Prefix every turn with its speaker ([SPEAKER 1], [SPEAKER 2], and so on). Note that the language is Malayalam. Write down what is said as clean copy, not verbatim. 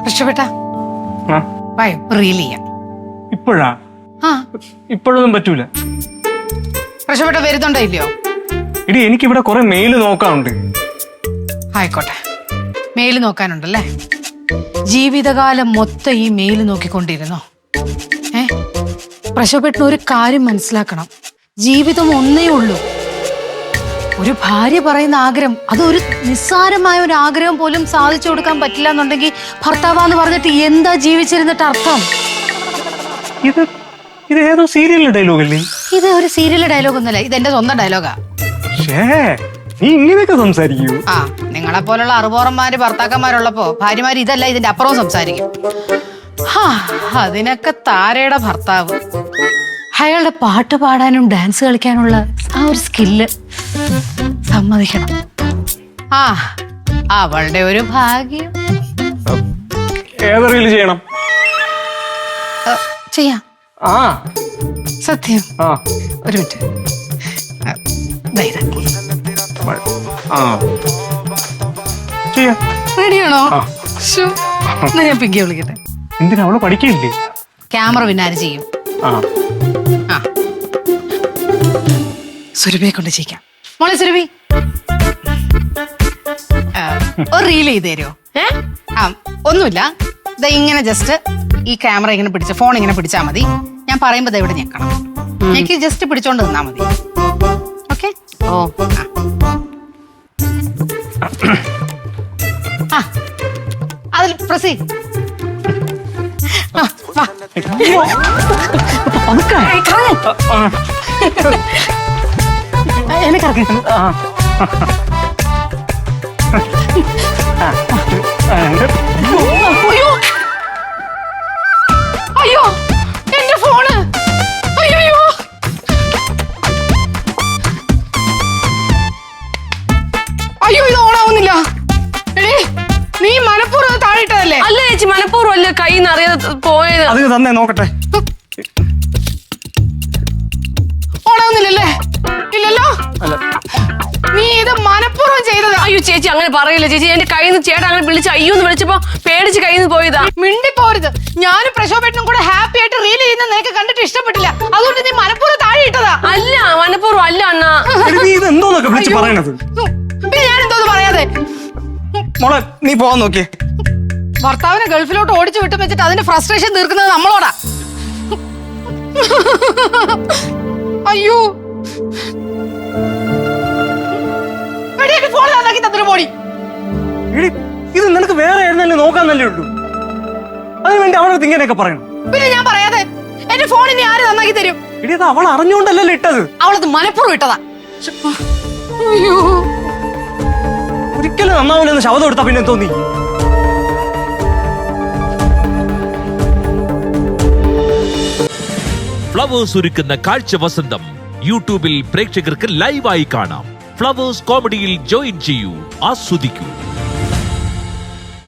[SPEAKER 1] രക്ഷപ്പെട്ട റീൽ ചെയ്യാം.
[SPEAKER 2] ഇപ്പോഴാ? ഇപ്പോഴൊന്നും പറ്റൂല.
[SPEAKER 1] രക്ഷപ്പെട്ട വരുന്നുണ്ടോ ഇല്ലയോ?
[SPEAKER 2] ഇടി എനിക്കിവിടെ കുറെ മെയില് നോക്കാനുണ്ട്.
[SPEAKER 1] ആയിക്കോട്ടെ, മെയില് നോക്കാനുണ്ടല്ലേ? ജീവിതകാലം മൊത്തം ഈ മെയില് നോക്കിക്കൊണ്ടിരുന്നോ? പ്രശോഭേട്ടന് ഒരു കാര്യം മനസ്സിലാക്കണം, ജീവിതം ഒന്നേ ഉള്ളൂ. ഒരു ഭാര്യ പറയുന്ന ആഗ്രഹം, അതൊരു നിസ്സാരമായ ഒരു ആഗ്രഹം പോലും സാധിച്ചു കൊടുക്കാൻ പറ്റില്ല എന്നുണ്ടെങ്കിൽ ഭർത്താവാന്ന് പറഞ്ഞിട്ട് എന്താ ജീവിച്ചിരുന്നിട്ട് അർത്ഥം?
[SPEAKER 2] ഇത് ഏതോ സീരിയലിലെ ഡയലോഗ് അല്ലേ?
[SPEAKER 1] ഇത് ഒരു സീരിയലിലെ ഡയലോഗ് ഒന്നല്ല, ഇത് എന്റെ സ്വന്തം ഡയലോഗാ.
[SPEAKER 2] നീ ഇങ്ങനെയൊക്കെ സംസാരിക്കൂ?
[SPEAKER 1] ആ, നിങ്ങളെ പോലുള്ള അറുപോറന്മാര് ഭർത്താക്കന്മാരുള്ളപ്പോ ഭാര്യമാര് ഇതല്ല ഇതിന്റെ അപ്പുറവും സംസാരിക്കും. അതിനൊക്കെ താരയുടെ ഭർത്താവ്, അയാളുടെ പാട്ട് പാടാനും ഡാൻസ് കളിക്കാനുള്ള ആ ഒരു സ്കില്ല് സമ്മതിക്കണം. അവളുടെ ഒരു ഭാഗ്യം.
[SPEAKER 2] ഏതൊരു ചെയ്യണം?
[SPEAKER 1] ചെയ്യാം. സത്യം. ഒരു മിനിറ്റ്. റെഡിയാണോ? ഞാൻ പിങ്കിയെ വിളിക്കട്ടെ.
[SPEAKER 2] എന്തിനാ? അവള് പഠിക്കില്ലേ?
[SPEAKER 1] ക്യാമറ പിന്നാര് ചെയ്യും. സുരഭിയെ കൊണ്ട് ചെയ്യിക്കാം. മോളെ സുരഭി, ഒരു റീൽ ചെയ്ത് തരുമോ? ഒന്നുമില്ല, ഇങ്ങനെ ജസ്റ്റ് ഈ ക്യാമറ ഇങ്ങനെ പിടിച്ച ഫോൺ ഇങ്ങനെ പിടിച്ചാൽ മതി. ഞാൻ പറയുമ്പോ ഇവിടെ ഞെക്കണം. എനിക്ക് ജസ്റ്റ് പിടിച്ചോണ്ട് നിന്നാ മതി. ഓക്കെ? അതിൽ പ്രസി അയ്യോ, എന്റെ ഫോണ്. അയ്യോ, അയ്യോ, ഇത് ഓണാവുന്നില്ല. നീ മനഃപൂർവ്വം താഴെയിട്ടതല്ലേ?
[SPEAKER 3] അല്ല ചേച്ചി, മനഃപൂർവ്വം അല്ല, കൈ നിറയാതെ പോയത്.
[SPEAKER 2] അത് തന്നെ നോക്കട്ടെ.
[SPEAKER 1] ഓണാവുന്നില്ലല്ലേ? ഇല്ലല്ലോ. നീ ഇത് മനഃപൂർവ്വം ചെയ്തതാ.
[SPEAKER 3] അയ്യോ ചേച്ചി, അങ്ങനെ പറയില്ല ചേച്ചി. എന്റെ കയ്യിൽ നിന്ന് ചേട്ടൻ അങ്ങനെ വിളിച്ച് അയ്യോന്ന് വിളിച്ചപ്പോ പേടിച്ച് കയ്യിൽ നിന്ന് പോയതാ.
[SPEAKER 1] മിണ്ടിപ്പോരുത്. ഞാനും പ്രശോഭേട്ടനും കൂടെ ഹാപ്പി ആയിട്ട് റീൽ ചെയ്യുന്ന നിനക്ക് കണ്ടിട്ട് ഇഷ്ടപ്പെട്ടില്ല, അതുകൊണ്ട് നീ മനഃപൂർവ്വം താഴെ ഇട്ടതാ.
[SPEAKER 3] അല്ല, മനഃപൂർവ്വം അല്ല അണ്ണാ.
[SPEAKER 1] പിന്നെ ഞാൻ എന്തോന്ന് പറയാതെ?
[SPEAKER 2] മോളെ നീ പോവാൻ നോക്കിയേ.
[SPEAKER 1] ഭർത്താവിനെ ഗൾഫിലോട്ട് ഓടിച്ചു വിട്ടു വെച്ചിട്ട് അതിന്റെ ഫ്രസ്ട്രേഷൻ തീർക്കുന്നത് നമ്മളോടാ. അയ്യോ, ഫോൺ നന്നാക്കി തന്നിട്ട് പോടി.
[SPEAKER 2] ഇത് നിനക്ക് വേറെ ആയിരുന്നല്ലേ നോക്കാന്നല്ലേ ഉള്ളൂ. അതിനുവേണ്ടി അവളടുത്ത് ഇങ്ങനെയൊക്കെ പറയണം?
[SPEAKER 1] പിന്നെ ഞാൻ പറയാതെ എന്റെ ഫോൺ ഇനി ആര് നന്നാക്കി തരും?
[SPEAKER 2] ഇത് അവൾ അറിഞ്ഞുകൊണ്ടല്ലേ ഇട്ടത്.
[SPEAKER 1] അവളത് മനഃപൂർവ്വം ഇട്ടതാ. അയ്യോ,
[SPEAKER 2] ഒരിക്കലും നന്നാവില്ലെന്ന് ശബ്ദം എടുത്താ പിന്നെ തോന്നി.
[SPEAKER 4] ഫ്ലവേഴ്സ് ഒരുക്കുന്ന കാഴ്ച വസന്തം യൂട്യൂബിൽ പ്രേക്ഷകർക്ക് ലൈവായി കാണാം. ഫ്ലവേഴ്സ് കോമഡിയിൽ ജോയിൻ ചെയ്യൂ, ആസ്വദിക്കൂ.